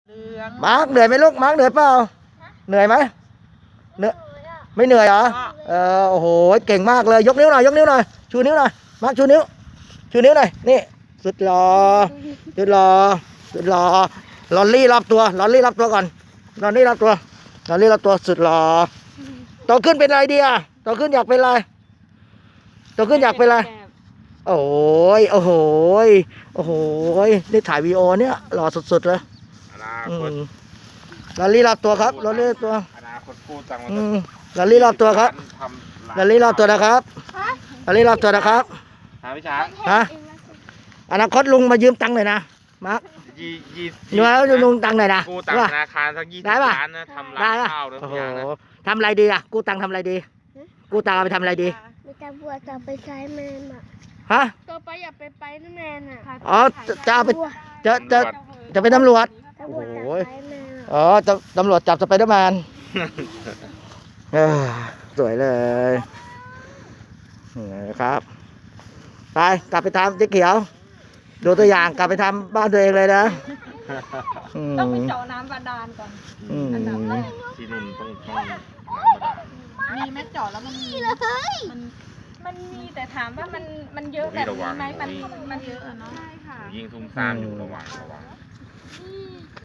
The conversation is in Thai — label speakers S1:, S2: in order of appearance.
S1: มาร์คเหนื่อยไหมลูกมาร์คเหนื่อยเปล่าเหนื่อยไหมเหนื่อยไม่เหนื่อยเหรอโอ้โหเก่งมากเลยยกนิ้วหน่อยยกนิ้วหน่อยชูนิ้วหน่อยมาร์คชูนิ้วหน่อยนี่สุดหล่อสุดหล่อสุดหล่อลอนลี่รอบตัวลอนลี่รอบตัวก่อนลอนลี่รอบตัวลอนลี่รอบตัวสุดหล่อโตขึ้นเป็นอะไรดีอ่ะโตขึ้นอยากเป็นอะไรโตขึ้นอยากเป็นอะไรโอ้ยโอ้โหโอ้โหนี่ถ่ายวีดีโอเนี่ยหล่อสุดๆเลยลอรี่รอบตัวครับลอรี่รอบตัว
S2: อนาคตกู้ตังค์มา
S1: ลอรี่รอบตัวครับลอรี่รอบตัวนะครับลอรี่รอบตัวนะครับ
S2: พี่ช้าง
S1: ฮะอนาคตลุงมายืมตังค์หน่อยนะมาร์ค
S2: 20
S1: แล้วลุงตังค์หน่อยนะ
S2: กู้ตังค์ธนาคารสัก20 ล้านนะทำร้านข้าวนะพี่ช้างนะ
S1: ทำอะไรดีอ่ะกู้ตังค์ทำอะไรดีกู้ตังค์เอาไปทำอะไรดี
S3: มีตำรวจจะไปใช้แมนอ่ะ
S1: ฮะ
S3: ตัวไปอย่าไปนั่นแมนอ่ะ
S1: อ๋อจะเอาไปจะเป็นตำรวจโอ้โหอ๋อตำรวจจับสไปเดอร์แมนสวยเลยครับไปกลับไปทำเจ๊เขียวดูตัวอย่างกลับไปทำบ้านตัวเองเลยนะ
S4: ต้องไปเจาะน้ำบาดาลก่อนอันดับแรก
S2: ที่นุ่นต้อง
S4: มีแม่เจาะแล้วมันมีมันมีแต่ถามว่ามันเยอะแบบนี้ไหมมันเยอะเนาะใช่ค่ะ
S2: ยิงซุ่มซ่ามอยู่ระหว่าง